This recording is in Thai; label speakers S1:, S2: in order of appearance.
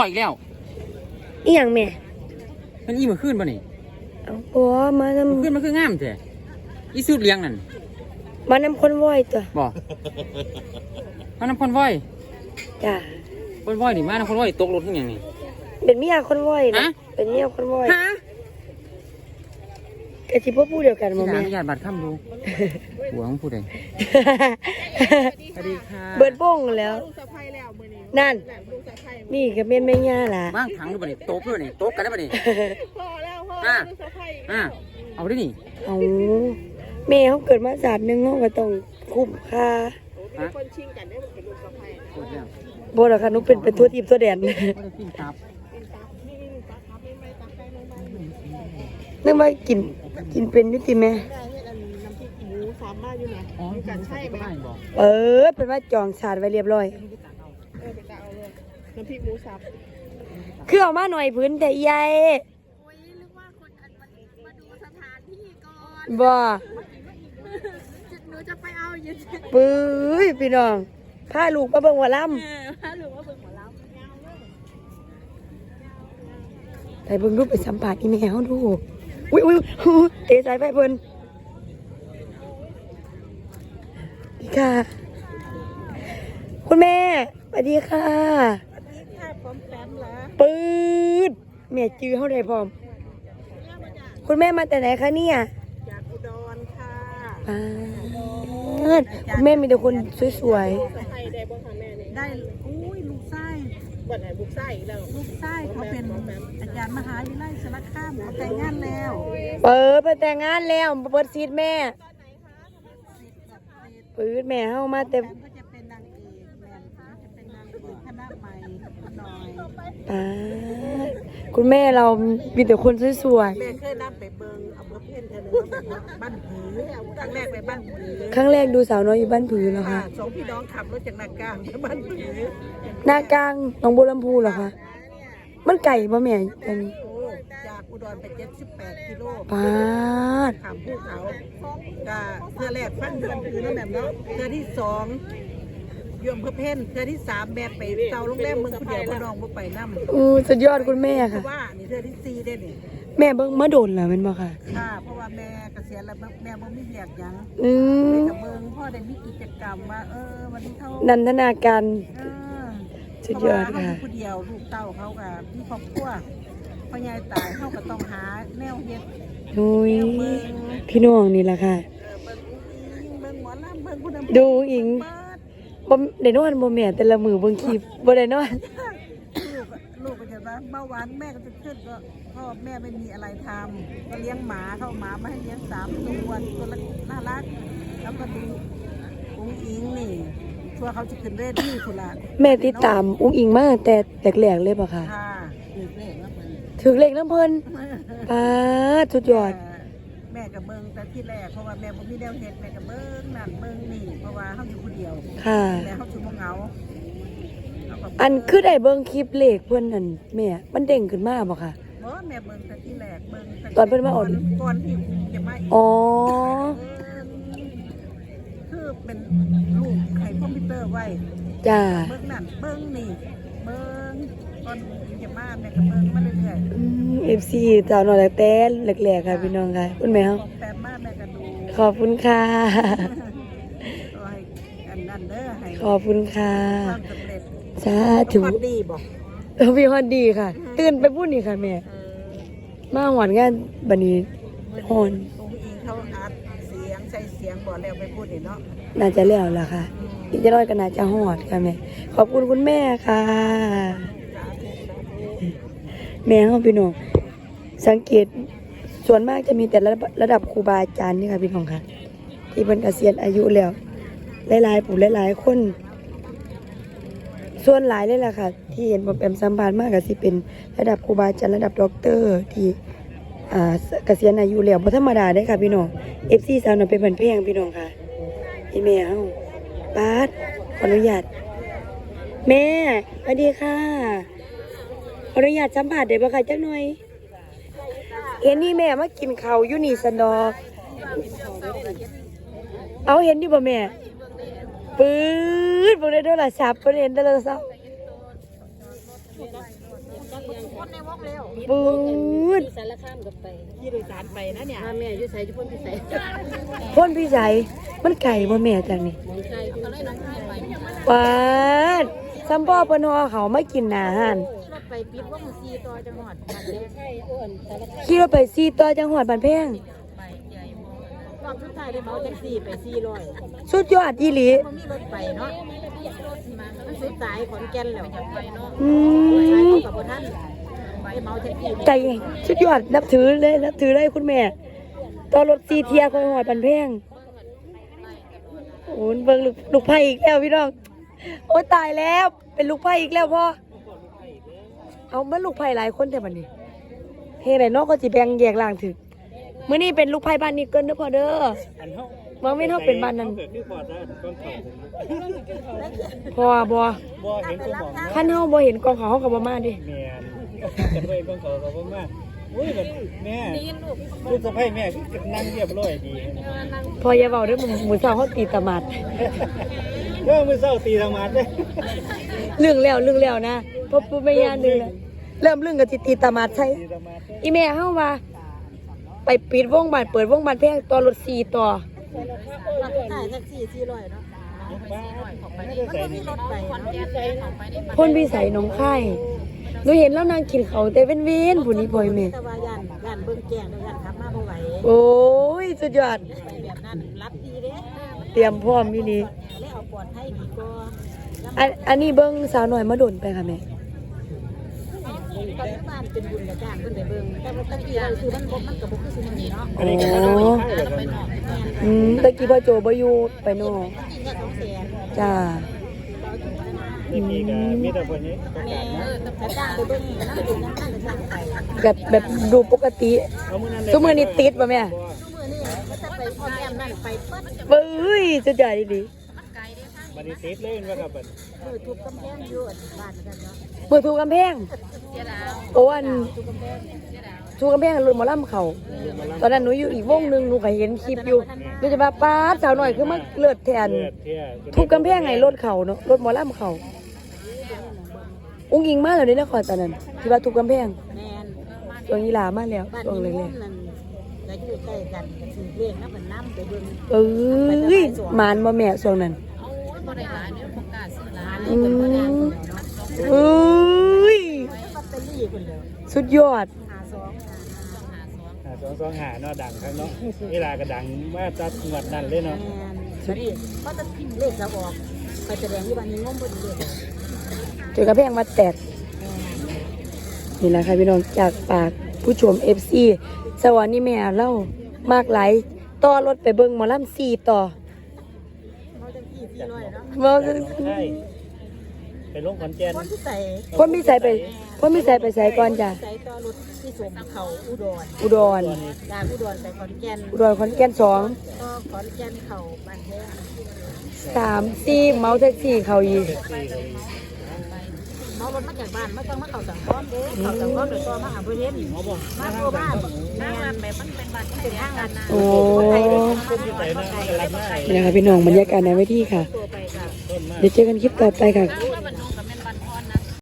S1: ต่อยแล้ว
S2: อีหยังแม่
S1: มันอีมาขึ้นป่ะนี่
S2: โอ้มานำ
S1: ขึ้นมันคืองามแท้อีสุดเลี้ยงนั่น
S2: มานำคนว้อยตัว
S1: บ่มานำคนว้อย
S2: จ้า
S1: คนว้อยนี่มานำคนว้อยตกรถทั้งอย่างนี้
S2: เป็นเมียคนว้อยนะเป็นเมียคนว้อย
S1: ฮะ
S2: กะสิบ่พูดเดียวกันบ่
S1: แม่
S2: แม่
S1: อนุญาตบัตรค่ำดูหัวของผู้ใดสวัสดีค่ะ
S2: เบิดบ้งแล้วนั่นนี่ก็แม่นแม่ย่าล่ะ
S1: ว่างถังดูบ่นี่โต๊ะด้วยนี่โต๊ะกันได้บ่นี่พอแล้วเอาดินี่
S2: เอาแม่เขาเกิดมาศาสตร์นึงเขาก็ต้องคุ้มค่า
S3: คนชิงกันได้เป็นลูกสะใภ้
S2: บ่ล่ะค่ะหนูเป็นตัวทีมตัวแดนนึกว่ากินเป็นอยู่ติแม่
S3: น้ำพริกหมูสามารถอยู่นะอยู่กันใช่ไหม
S2: เป็นว่าจองชาติไว้เรียบร้อย
S3: ไปจะเอาเลยน้ำพริกหมูสับ
S2: คือเอามาหน่อยพื้นแต่ใหญ่
S3: โอ้ยนึกว่าคนมาดูสถานที่ก่อน
S2: บ่
S3: หนูจะไปเอาอยู่
S2: ปื้ยพี่น้องพาลูกมาเบิ่งหมอลำ
S3: พาลูกมาเบิ่งหมอลำ
S2: ไปเบิ่งรูปไปสัมผัสอีแมวดูอุ้ยเตะสายไฟเพิ่นอีกค่ะคุณแม่สวัสดีค่ะ
S3: พร้อมแป๊มเหรอ
S2: ปื๊ดแม่จื้อเขาได้พร้อมคุณแม่มาแต่ไหนคะเนี่ย
S3: จากอุดรค่ะ
S2: คุณแม่มีแต่คนสวย
S3: ๆได้อุ้ยลูกไส้วันไหนลูกไส้แล้วลูกไส้เขาเป็นอาจารย์มหาวิทยาลัยสารคามเขาแต่งงานแล้ว
S2: ไปแต่งงานแล้วเปิดซีดแม่ปื๊ดแม่เข้ามาแต่
S3: ก็จะเป็นนางเอกแม่จะเป็นนางเอกคณะใหม่หน่อย
S2: คุณแม่เรามีแต่คนสวย
S3: ๆแม่เคยนั่งไปเบิงอำเภอเพี้ยนเธอบ้านผือครั้งแรกไปบ้านผือ
S2: ครั้งแรกดูสาวน้อยอยู่บ้านผือเหรอคะ
S3: สองพี่น้องขับรถจากนากลางไปบ้านผือ
S2: หน้ากลางหนองบัวลำพูเหรอคะมันไก่ป่ะแม่จัง
S3: จากอุดรไป78 กิโล
S2: ปาด
S3: ขามภูเขาก็เทือแรกฟังเดือนผือนั่นแบบเนาะเทือที่2ยมเพื่อเพ่นเทือที่3แม่ไปเตาโรงแรมเมืองผู้เดียวพ่อน้องบ่ไปน้ำ
S2: สุดยอดคุณแม่ค่ะ
S3: ว่านี่เทือที่4ได้นี่
S2: แม่เบิ่งมาโดนเหรอเป็นบ่ค่ะ
S3: เพราะว่าแม่เกษียณแล้วแม่บ่มีเวียกหยังกับเบิ่งพ่อได้มีกิจกรรมว่าวันนี้เขา
S2: นันทนาการสุดยอดค่ะ
S3: ผู้เดียวลูกเต้าเขากับพี่ครอบครัวพ่อใหญ่ตายเขาก็ต้องหาแนวเฮ็ด
S2: พี่น้องนี่แหละค่ะ
S3: เบิ่งหมอลำเบิ่งผู้น
S2: ำดูอิงบ่ได้นอนบ่แม่แต่ละมื้อเบิ่งคลิปบ่ได้นอน
S3: ลูกก็จะว่าเบาหวานแม่ก็จะขึ้นก็พ่อแม่ไม่มีอะไรทำก็เลี้ยงหมาเข้าหมามาให้เลี้ยง3 ตัวละน่ารักแล้วก็ดูอุ้งอิงนี่ชัวเขาจะขึ้นเวทีพุ่นล่ะ
S2: แม่ติดตามอุ้งอิงมาแต่แรกๆเลยป่ะคะถึงเลขน้ำเพิ่นสุดยอด
S3: แม่กับเบิ้งแต่ที่แรกเพราะว่าแม่บ่มีแนวเฮ็ดแม่กับเบิ้งนั่นเบิ้งนี่เพราะว่าเฮาอยู่คนเดียว
S2: ค่ะ
S3: แต่เฮาสิบ่เหงา
S2: อันคือได้เบิ้งคลิปเลขเพิ่นนั่นแม่มันเด้งขึ้นมาบ่ค่ะ
S3: บ่แม่เบิ้งแต่ที่แรกเบิ้ง
S2: ตอนเพิ่นมาอ่อน
S3: ก่อนที่จะมาคือเป็นลูกไขคอมพิวเตอร์ไว้
S2: จ้า
S3: เบิ้งนั่นเบิ้งนี่เบิ้งก่อนจะมาแม่ก็เบิ้งมาเรื่อย
S2: ๆFC สาวน้อยแต่แรกๆค่ะพี่น้องค่ะคุณแม่เฮา
S3: แปมมาแม่ก็ดู
S2: ขอบคุณค่ะ
S3: อันนั้นเด้อให้
S2: ขอบคุณค่ะสาธุ
S3: ฮอดดีบ่
S2: พี่ฮอดดีค่ะตื่นไปพูดนี่ค่ะแม่มาหวานงานบัดนี้ฮอน
S3: เขาอัดเสียงใส่เสียงบ่แล้วไปพูดนี่เนาะ
S2: น่าจะแล้วล่ะค่ะอีกจะน้อยก็น่าจะฮอดค่ะแม่ขอบคุณคุณแม่ค่ะแม่เฮาพี่น้องสังเกตส่วนมากจะมีแต่ระดับครูบาอาจารย์นี่ค่ะพี่น้องค่ะที่เพิ่นเกษียณอายุแล้วหลายๆผู้หลายๆคนส่วนหลายเลยล่ะค่ะที่เห็นผมแอมสัมภาษณ์มากก็สิเป็นระดับครูบาอาจารย์ระดับด็อกเตอร์ที่เกษียณอายุแล้วบ่ธรรมดาเด้ค่ะพี่น้อง FC สาวน้อยเป็นเพิ่นเพลงพี่น้องค่ะอีแม่เฮาปาดขออนุญาตแม่สวัสดีค่ะขออนุญาตสัมภาษณ์ได้บ่คะจักหน่อยเห็นนี่แม่มากินข้าวอยู่นี่ซั่นดอกเอาเห็นอยู่บ่แม่ปื๊ดบ่ได้โทรศัพท์บ่ได้เห็นโทรศัพท์
S3: คนในวงเร็ว
S2: ปืด
S4: สารคามกับไป
S3: ขี่โดยสารไปนะเนี่ย
S4: ถ้าแม่อยู่ใส่ทุกคนที่ใส่
S2: พ่นพี่ใสมันไก่บ่แม่จังนี่
S4: น้องชายก็เลยน้องชายไป
S2: ปาดซัมพ่อเพิ่นฮอเขามากินหน้าห้าน
S3: รถไปปิดวงซีต่อจังหวัด
S4: ใช่อ้วนสารคาม
S2: ขี่รถไป4ต่อจังหวัดบ้านแพง
S3: ไปใหญ่รอบสุดท้ายได้เมาแท็กซี่ไป400
S2: สุดยอดอีหลี
S3: มันมีรถไปเนาะมันสุดสายขอนแก่นแล้วจะไปเนาะ
S2: อื
S3: สาย
S2: ม
S3: กับท่านไปเมาแท็กซี่
S2: ใจสุดยอดนับถือเลยคุณแม่ต่อรถ4เที่ยของหอดบ้านแพงโอ้ยเบิ่งลูกไผ่อีกแล้วพี่น้องโอ้ยตายแล้วเป็นลูกไผ่อีกแล้วพ่อเอามันลูกไผ่หลายคนแต่บัดนี้เฮ็ดให้น้องก็สิแบ่งแยกล่างถึกมื้อนี้เป็นลูกไผ่บ้านนี้เกินเด้อพ่อเด้อ
S5: อันเฮา
S2: บางเว้นเฮาเป็นบ้านนั้น
S5: เกิดคือพอได้ก้อนเขา
S2: พ่อบ่
S5: บ่เห็นก็บอก
S2: คันเฮาบ่เห็นกองเขาเฮาก็บ่มาเดิ
S5: แม่นกันไว้ก้อนเขาก็บ่มาอุ้ยแบบแม่ลูกสะใภ้แม่คือนั่งเรียบร้อยดี
S2: พ่ออย่าเว้าเด้อมื้อเช้าเฮาตีตะหมาด
S5: เมื่อมื้อเช้าตีธรรมะเด้
S2: เรื่องแล้วนะพ่อปู่แม่ย่านึงแล้วเริ่มเรื่องก็สิตีตะหมาดใช่
S5: ตีธรรมะ
S2: อีแม่เฮาว่า ไปปิดวงบ้านเปิดวงบ้านแพงต่อรถ4ต่อ
S3: รอบสุดท้ายแท็กซี่400เนาะ
S5: บ้า
S3: มันก็มีรถไปเนาะ
S2: พ่นพิสัยหนองคายหนูเห็นแล้วนางกินเขาวแต่เว้นๆผู้นี้บ่อยแม่
S3: แต่ว่าย่านเบิ่งแก่งย่านขับมาบ่ไหว
S2: โอ้ยสุดยอด
S3: ไปแบบนั้นรับดีเด้
S2: เตรียมพร้อมอีนี่
S3: เลยเอาปลอดภัยดีกว่า
S2: อันนี้เบิ่งสาวน้อยมาโดนไปค่ะแม่
S3: ปัจจุบันเป็นบุญกับจ้างเพิ่นได้เบิ่งแต่ว่าตะกี้เราคือมันก็บ่คือซุมื้อนี้เนาะ
S5: อันนี้ก็บ่ได้ใช่แบบนี้
S2: ตะกี้พ่อโจบ่อยู่ไปนอก
S3: กินแค่200,000
S2: จ้า
S5: นี่มีก็มีแต่คนนี้ประ
S3: แม่
S5: กาศนะ
S3: แต่จ้างไปเบิ่งน้ำดื่มน้ำตาลจ้างไป
S2: แบบดูปกติ
S5: เอามื้อนั้น
S2: ซุมื้อนี้ติดบ่แม่
S3: ซุมื้อนี้ก็จะไปพ่อแม่นั่นไปเปิด
S2: เบ้ยสุดยอดดี
S5: บัดนี้ติดเลยว่าครับบัด
S3: ทุบกำแพงอยู่บ้านนั่นเนาะ
S2: มือถูกกำแพงโอ้อันถูกกำแพงรถหมอลำเขาตอนนั้นหนูอยู่อีกวงหนึงหนูก็เห็นคลิปอยู่หนูจะว่าป้าดสาวน้อยคือมาเลือดแทน
S5: เลือดเที่ย
S2: ถูกกำแพงไงรถเขาเนาะรถหมอลำเขาอุ้งอิงมาแล้วนี่นครตอนนั้นที่ว่าถูกกำแพง
S3: แม่น
S2: ช่วงยีหลามาแล้ว
S3: บ้าน
S2: ช่วง
S3: นี้
S2: แร
S3: มุ
S2: ก
S3: มนั่นก็อยู่ใกล้กันถือเลขน้ำมันน้ำไปเบิ่ง
S2: ๆเอ้ยหมานบ่แม่ช่วงนั้น
S4: บ่ได้หลายเนี่ยประกาศซื้อหลาย
S2: อืมเอ้ย
S3: ลอตเตอรี่เพิ่นแล้ว
S2: สุดยอด
S5: 225เนาะดังครับเนาะเวลาก็ดังมาจัดงวดนั้นเลยเนาะ
S3: แม่นเพราะจะพิมพ์เลขเราออกไปแสดงที่บ้านนี้งมเพิ่นเลข
S2: เจอกระแพงมาแตกนี่แหละค่ะพี่น้องจากปากผู้ชม FC สวรรค์นี่แม่เล่ามากหลายต่อรถไปเบิ่งหมอลำ4ต่อ
S3: เขาจะขี่400เนาะ
S2: บ่
S5: ใช่ไปลงขอนแก่น
S3: คนที่ใส่
S2: พ่นมีใส่ไปใส่ก่อนจ้ะ
S3: ใส่ต่อรถที่สมเขาอุดร
S2: อุดร
S3: จากอุดรไปขอนแก่น
S2: อุดรขอนแก่น2
S3: ก็ขอนแก่นเขาบ้านแท้
S2: 3 4เมาแท็กซี่เขาอีก
S3: เมารถมาจากบ้านไม่ต้องมาเข้าสังคมเด้เข้าสังคมเดี๋ยวก็มาหาเพื่อนมาตัวบ้านแม่แบบมันเป็นบ้านเป็นห้างกันนะ
S2: โอ้
S5: คนที่ไหนนะกำลังหน้า
S2: นี่นะคะพี่น้องบรรยากาศในเวทีค่ะ
S3: ตัวไปค่ะ
S5: ต้นมาก
S2: เดี๋ยวเจอกันคลิปต่อไปค่ะ